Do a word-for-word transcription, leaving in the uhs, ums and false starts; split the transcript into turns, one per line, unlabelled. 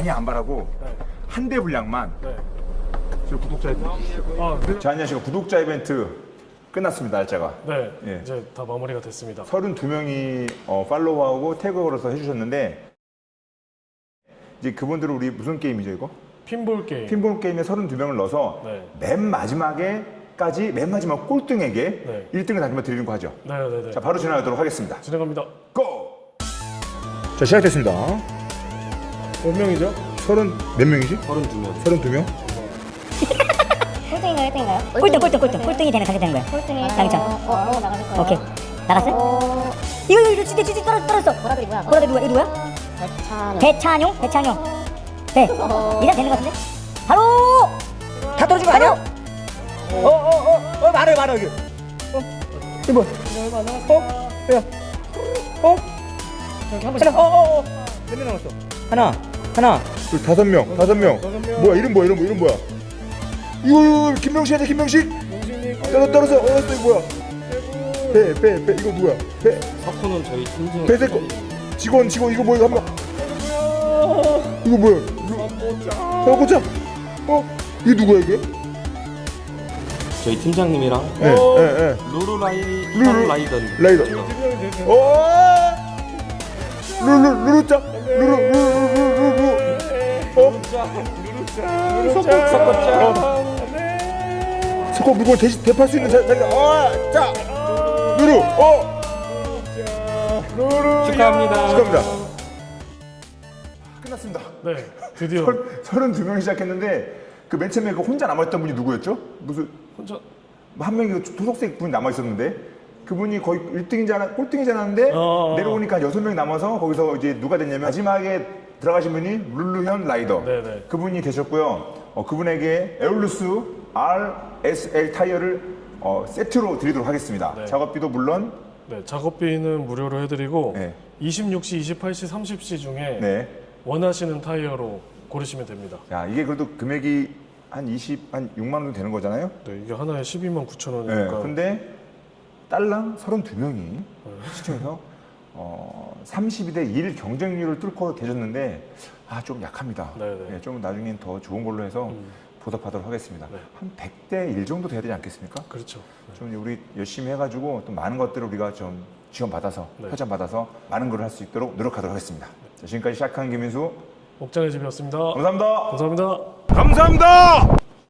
많이 안 바라고
네.
한 대 분량만.
네.
지금 구독자 이벤트.
아, 네.
자, 안녕하세요. 구독자 이벤트 끝났습니다. 날짜가.
네.
예.
이제 다 마무리가 됐습니다.
서른두 명이 어, 팔로우하고 태그 걸어서 해주셨는데 이제 그분들은 우리 무슨 게임이죠 이거?
핀볼 게임.
핀볼 게임에 서른두 명을 넣어서
네.
맨 마지막에까지 맨 마지막 꼴등에게
네.
일 등을 다시마 드리는 거 하죠.
네, 네, 네.
자, 바로 진행하도록 하겠습니다.
진행합니다.
고! 자, 시작됐습니다.
몇 명이죠?
서른 몇 명이지?
서른두 명.
서른두 명?
꼴등인가요, 일 등인가요?
꼴등 꼴등 꼴등 꼴등이 되면 가게 되는 거야.
꼴등이
당첨.
어, 어, 어, 나가실 거예요.
오케이. 나갔어요?
어,
이거 이거 이거 진짜 진짜 떨어 떨어졌어.
보라들이 뭐야?
보라들 누가? 이 누구야?
대찬.
배찬용? 배찬용. 네.
어허.
이상 되는 것 같은데? 바로 다 떨어진 거 아니야? 어어어어 말해 말해 여기. 어 이거 뭐야? 어? 야. 어?
여기 한 번씩.
하나. 어어어. 몇 명 남았어? 하나. 하나.
둘, 다섯 명, 다섯 명. 뭐야, 이름 뭐야, 이름 뭐, 이름 뭐야? 이거, 이거, 김명식 아니야, 김명식? 떨어, 떨어져, 어, 이거 뭐야? 배, 배, 배, 이거 누구야? 배,
석호는 저희 팀장.
배색 직원, 직원, 이거 뭐야, 이거 한 명. 이거 뭐야? 어, 고짜. 어, 이게 누구야, 이게?
저희 팀장님이랑
예, 예, 예.
루루라이
루루.
라이던.
라이더. 오! 루루, 루루짜. 루루, 루루, 루루, 루루. 어? 석고 물건 대신 대팔 수 있는 자, 자기가. 어, 자, 루루, 어. 루루.
축하합니다.
축하합니다. 끝났습니다.
네. 드디어
서른두 명이 시작했는데 그 맨 처음에 그 혼자 남아있던 분이 누구였죠? 무슨
혼자.
한 명이 그 토속색 분이 남아있었는데 그분이 거의 일 등이잖아, 꼴등이잖았는데
어.
내려오니까 여섯 명이 남아서 거기서 이제 누가 됐냐면 마지막에 들어가신 분이 룰루현 라이더.
네네.
그분이 계셨고요. 어, 그분에게 에올루스 알에스엘 타이어를 어, 세트로 드리도록 하겠습니다.
네.
작업비도 물론
네. 작업비는 무료로 해드리고
네.
이십육 시, 이십팔 시, 삼십 시 중에
네.
원하시는 타이어로 고르시면 됩니다.
야, 이게 그래도 금액이 한 이십, 한 육만 원 정도 되는 거잖아요.
네. 이게 하나에 십이만 구천
네.
원이니까.
근데 딸랑 서른두 명이 시청에서 어, 삼십이 대 일 경쟁률을 뚫고 계셨는데 아, 좀 약합니다.
네네.
네, 좀 나중엔 더 좋은 걸로 해서
음.
보답하도록 하겠습니다.
네.
한 백 대 일 정도 돼야 되지 않겠습니까?
그렇죠. 네.
좀 우리 열심히 해가지고 또 많은 것들을 우리가 좀 지원받아서
네.
협찬받아서 많은 걸 할 수 있도록 노력하도록 하겠습니다. 자, 지금까지 시작한 김민수
옥장의 집이었습니다.
감사합니다.
감사합니다.
감사합니다.